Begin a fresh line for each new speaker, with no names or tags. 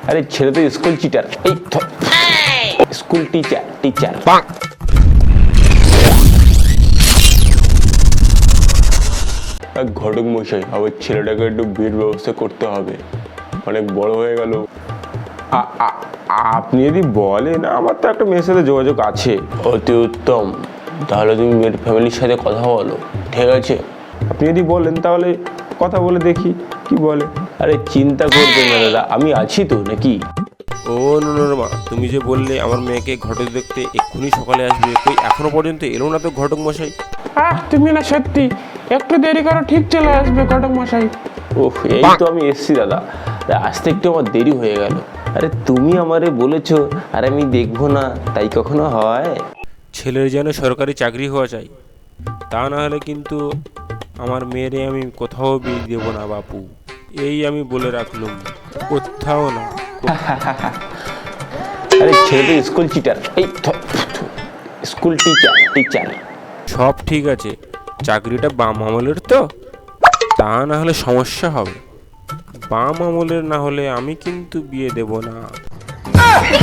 আরে ছেলে তো স্কুল চিটার, এই স্কুল টিচার টিচার। ঘটক মশাই, আবার ছেলেটাকে একটু বিয়ের ব্যবস্থা করতে হবে, অনেক বড় হয়ে গেল। আপনি যদি বলেন, আমার তো একটা মেয়ের সাথে যোগাযোগ আছে। অতি উত্তম, তাহলে তুমি মেয়ের ফ্যামিলির সাথে কথা বলো, ঠিক আছে? আপনি যদি বলেন তাহলে কথা বলে দেখি কি বলে। আরে চিন্তা করবেন না দাদা, আমি আছি তো, নাকি?
ও মা, তুমি যে বললে আমার মেয়েকে ঘটক দেখতে এক্ষুনি সকালে আসবে, কই এখনো পর্যন্ত এলো না তো ঘটক মশাই?
তুমি না সত্যি একটু দেরি করো, ঠিক চলে আসবে ঘটক মশাই।
ওহ, এই তো আমি এসছি দাদা, আসতে একটু আমার দেরি হয়ে গেল। আরে তুমি আমারে বলেছো আর আমি দেখবো না, তাই কখনো হয়?
ছেলের যেন সরকারি চাকরি হওয়া চাই, তা না হলে কিন্তু আমার মেয়েরে আমি কোথাও বিয়ে দেবো না বাপু, এই আমি বলে রাখলুম, কোথাও না।
আরে ছেলে তো স্কুল চিটার, এই স্কুল টিচার টিচার।
সব ঠিক আছে, চাকরিটা বাম আমলের তো, তা না হলে সমস্যা হবে। বাম আমলের না হলে আমি কিন্তু বিয়ে দেব না।